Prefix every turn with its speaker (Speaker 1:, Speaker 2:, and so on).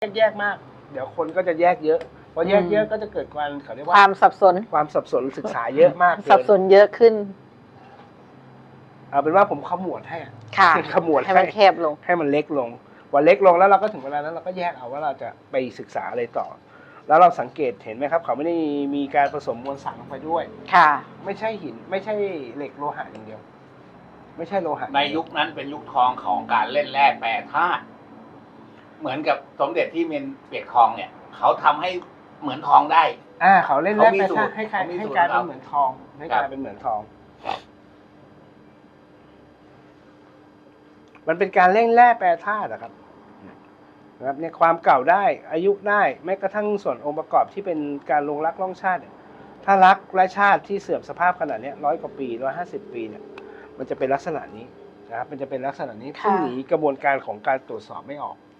Speaker 1: แยกมากเดี๋ยวคนก็จะแยกเยอะพอแยกเยอะก็จะเกิดความเขาเรียกว่า
Speaker 2: ความสับสน
Speaker 1: ศึกษาเยอะมาก
Speaker 2: สับสนเยอะขึ้น
Speaker 1: เอาเป็นว่าผมขมวดให้
Speaker 2: ค่ะ
Speaker 1: ขมวด
Speaker 2: ให้มันแคบลง
Speaker 1: ให้มันเล็กลงพอเล็กลงแล้วเราก็ถึงเวลานั้นเราก็แยกเอาว่าเราจะไปศึกษาอะไรต่อแล้วเราสังเกตเห็นไหมครับเขาไม่ได้มีการผสมมวลสารลงไปด้วย
Speaker 2: ค่ะ
Speaker 1: ไม่ใช่หินไม่ใช่เหล็กโลหะอย่างเดียวไม่ใช่โลหะ
Speaker 3: ในยุคนั้นเป็นยุคทองของการเล่นแร่แปรธาตุเหมือนกับสมเด็จที่เมนเปียกทองเนี่ยเขาทำให้เหมือนทองได้
Speaker 1: เขาเล่นแร่แปรธาตุให้กลายเป็นเหมือนทองให้กลายเป็นเหมือนทองมันเป็นการเล่นแร่แปรธาตุนะครับเนี่ยความเก่าได้อายุได้แม้กระทั่งส่วนองค์ประกอบที่เป็นการลงรักล่องชาติถ้ารักและชาติที่เสื่อมสภาพขนาดนี้100 กว่าปี150 ปีเนี่ยมันจะเป็นลักษณะนี้นะครับมันจะเป็นลักษณะนี้ซึ่งหนีกระบวนการของการตรวจสอบไม่ออก